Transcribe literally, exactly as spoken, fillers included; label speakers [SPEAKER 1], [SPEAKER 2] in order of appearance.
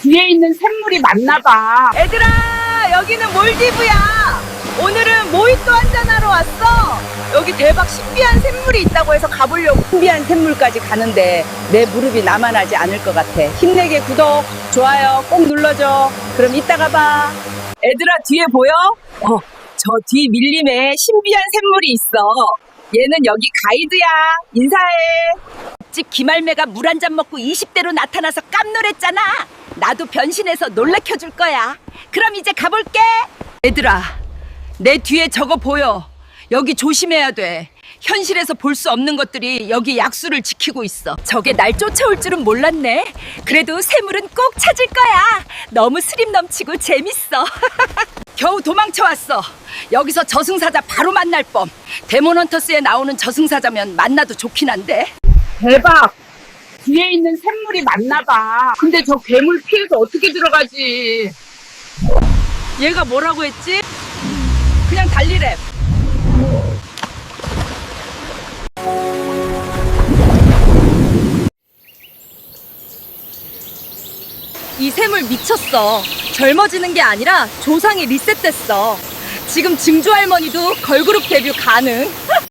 [SPEAKER 1] 뒤에 있는 샘물이 맞나 봐.
[SPEAKER 2] 얘들아, 여기는 몰디브야. 오늘은 모히또 한잔하러 왔어. 여기 대박 신비한 샘물이 있다고 해서 가보려고. 신비한 샘물까지 가는데 내 무릎이 남아나지 않을 것 같아. 힘내게 구독, 좋아요 꼭 눌러줘. 그럼 이따가 봐. 얘들아, 뒤에 보여? 어, 저 뒤 밀림에 신비한 샘물이 있어. 얘는 여기 가이드야. 인사해. 집 기말매가 물 한 잔 먹고 이십 대로 나타나서 깜놀했잖아. 나도 변신해서 놀래켜줄 거야. 그럼 이제 가볼게. 얘들아, 내 뒤에 저거 보여. 여기 조심해야 돼. 현실에서 볼 수 없는 것들이 여기 약수를 지키고 있어. 저게 날 쫓아올 줄은 몰랐네. 그래도 샘물은 꼭 찾을 거야. 너무 스림 넘치고 재밌어. 겨우 도망쳐왔어. 여기서 저승사자 바로 만날 뻔. 데몬헌터스에 나오는 저승사자면 만나도 좋긴 한데.
[SPEAKER 1] 대박. 뒤에 있는 샘물이 맞나 봐. 근데 저 괴물 피해서 어떻게 들어가지?
[SPEAKER 2] 얘가 뭐라고 했지? 그냥 달리래. 이 샘물 미쳤어. 젊어지는 게 아니라 조상이 리셋됐어. 지금 증조 할머니도 걸그룹 데뷔 가능.